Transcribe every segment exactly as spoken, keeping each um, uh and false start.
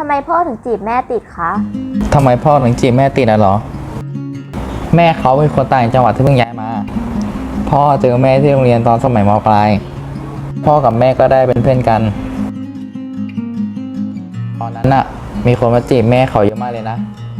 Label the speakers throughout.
Speaker 1: ำไมพ่อถึงจีบแม่ติดคะ
Speaker 2: ทำไมพ่อถึงจีบแม่ติดอ่ะเหรอแม่เขาเป็นคนต่างจังหวัดที่เพิ่งย้ายมาพ่อเจอแม่ที่โรงเรียนตอนสมัยม.ปลายพ่อกับแม่ก็ได้เป็นเพื่อนกันตอนนั้นน่ะมีคนมาจีบแม่เขาเยอะมากเลยนะ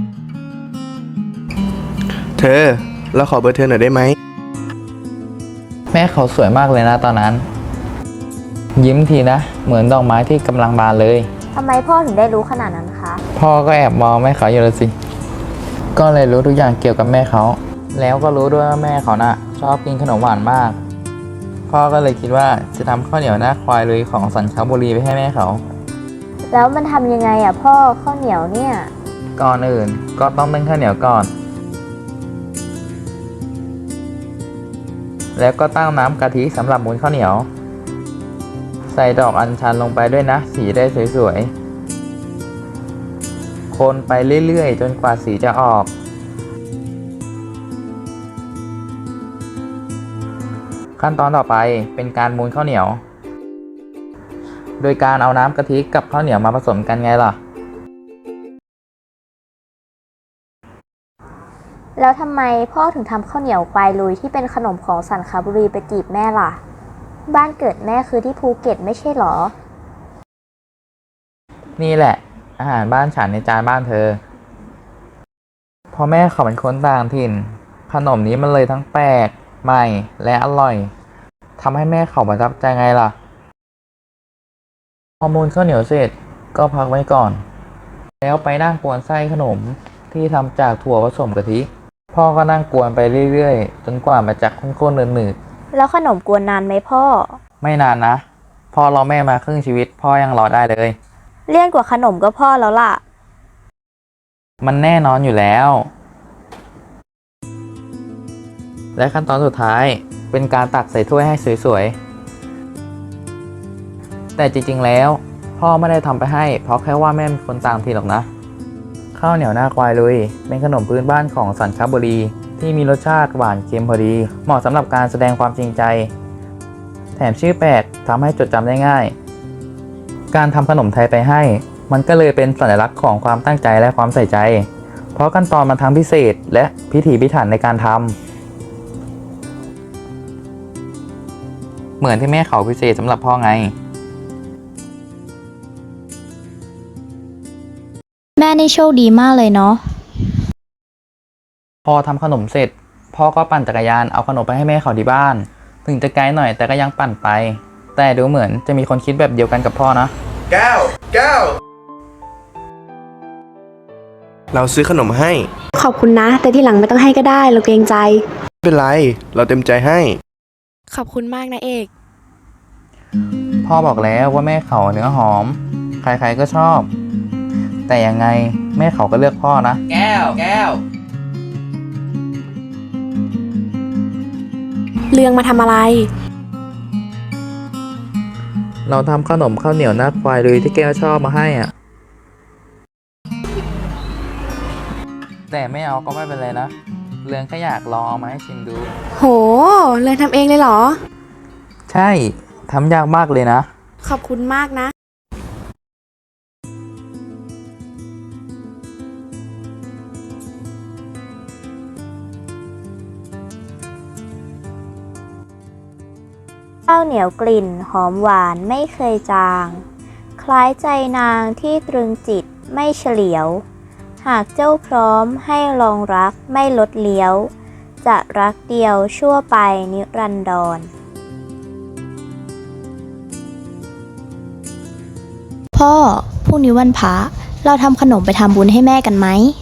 Speaker 3: เธอเราขอเบอร์เธอหน่อยได้ไหม
Speaker 2: แม่เขาสวยมากเลยนะตอนนั้นยิ้มทีนะเหมือนดอกไม้ที่กำลังบานเลย
Speaker 1: ทำไมพ่อถึงได้รู้ขนาดนั้นคะ
Speaker 2: พ่อก็แอบมองแม่เขาอยู่เลยสิก็เลยรู้ทุกอย่างเกี่ยวกับแม่เขาแล้วก็รู้ด้วยว่าแม่เขาน่ะชอบกินขนมหวานมากพ่อก็เลยคิดว่าจะทำข้าวเหนียวหน้าควายลุยของสันคบุรีไปให้แม่เขา
Speaker 1: แล้วมันทำยังไงอ่ะพ่อข้าวเหนียวเนี่ย
Speaker 2: ก่อนอื่นก็ต้องนึ่งข้าวเหนียวก่อนแล้วก็ตั้งน้ำกะทิสำหรับมูนข้าวเหนียวใส่ดอกอัญชันลงไปด้วยนะสีได้สวยๆคนไปเรื่อยๆจนกว่าสีจะออกขั้นตอนต่อไปเป็นการมูนข้าวเหนียวโดยการเอาน้ำกะทิกับข้าวเหนียวมาผสมกันไงล่ะ
Speaker 1: แล้วทำไมพ่อถึงทำข้าวเหนียวควายลุยที่เป็นขนมของสันคบุรีไปจีบแม่ล่ะบ้านเกิดแม่คือที่ภูเก็ตไม่ใช่หรอ
Speaker 2: นี่แหละอาหารบ้านฉันในจานบ้านเธอพอแม่เขาเป็นคนต่างถิ่นขนมนี้มันเลยทั้งแปลกใหม่และอร่อยทำให้แม่เขาประทับใจไงล่ะพอมูนข้าวเหนียวเสร็จก็พักไว้ก่อนแล้วไปนั่งกวนไส้ขนมที่ทำจากถั่วผสมกะทิพ่อก็นั่งกวนไปเรื่อยๆจนกว่ามันจะข้นๆหนืด
Speaker 1: ๆแล้วขนมกวนนานไหมพ่อ
Speaker 2: ไม่นานนะพ่อรอแม่มาครึ่งชีวิตพ่อยังรอได้เลย
Speaker 1: เลี่ยนกว่าขนมก็พ่อแล้วล่ะ
Speaker 2: มันแน่นอนอยู่แล้วและขั้นตอนสุดท้ายเป็นการตักใส่ถ้วยให้สวยๆแต่จริงๆแล้วพ่อไม่ได้ทำไปให้เพราะแค่ว่าแม่เป็นคนต่างถิ่นหรอกนะข้าวเหนียวหน้าควายลุยเป็นขนมพื้นบ้านของสันคบุรีที่มีรสชาติหวานเค็มพอดีเหมาะสำหรับการแสดงความจริงใจแถมชื่อแปลกทำให้จดจำได้ง่ายการทำขนมไทยไปให้มันก็เลยเป็นสัญลักษณ์ของความตั้งใจและความใส่ใจเพราะขั้นตอนมันทั้งพิเศษและพิถีพิถันในการทำเหมือนที่แม่เขาพิเศษสำหรับพ่อไง
Speaker 1: แม่นี่โชคดีมากเลยเนาะ
Speaker 2: พอทำขนมเสร็จพ่อก็ปั่นจักรยานเอาขนมไปให้แม่เขาที่บ้านถึงจะไกลหน่อยแต่ก็ยังปั่นไปแต่ดูเหมือนจะมีคนคิดแบบเดียวกันกับพ่อนะ
Speaker 3: แก้วแก้วเราซื้อขนมให้
Speaker 4: ขอบคุณนะแต่ที่หลังไม่ต้องให้ก็ได้เราเกรงใจ
Speaker 3: ไม่เป็นไรเราเต็มใจให้
Speaker 4: ขอบคุณมากนะเอก
Speaker 2: พ่อบอกแล้วว่าแม่เขาเนื้อหอมใครๆก็ชอบแต่ยังไงแม่เขาก็เลือกพ่อนะแก้วแก้ว
Speaker 4: เรื่องมาทำอะไร
Speaker 2: เราทำขนมข้าวเหนียวหน้าควายลุยที่แก้วชอบมาให้อ่ะแต่ไม่เอาก็ไม่เป็นไรนะเรื่องก็อยากลองเอามาให้ชิมดู
Speaker 4: โหเรื่องทำเองเลยเหรอ
Speaker 2: ใช่ทำยากมากเลยนะ
Speaker 4: ขอบคุณมากนะ
Speaker 1: ข้าวเหนียวกลิ่นหอมหวานไม่เคยจางคล้ายใจนางที่ตรึงจิตไม่เฉลียวหากเจ้าพร้อมให้ลองรักไม่ลดเลี้ยวจะรักเดียวชั่วไปนิรันดร
Speaker 5: พ่อพรุ่งนี้วันพระเราทำขนมไปทำบุญให้แม่กันไหม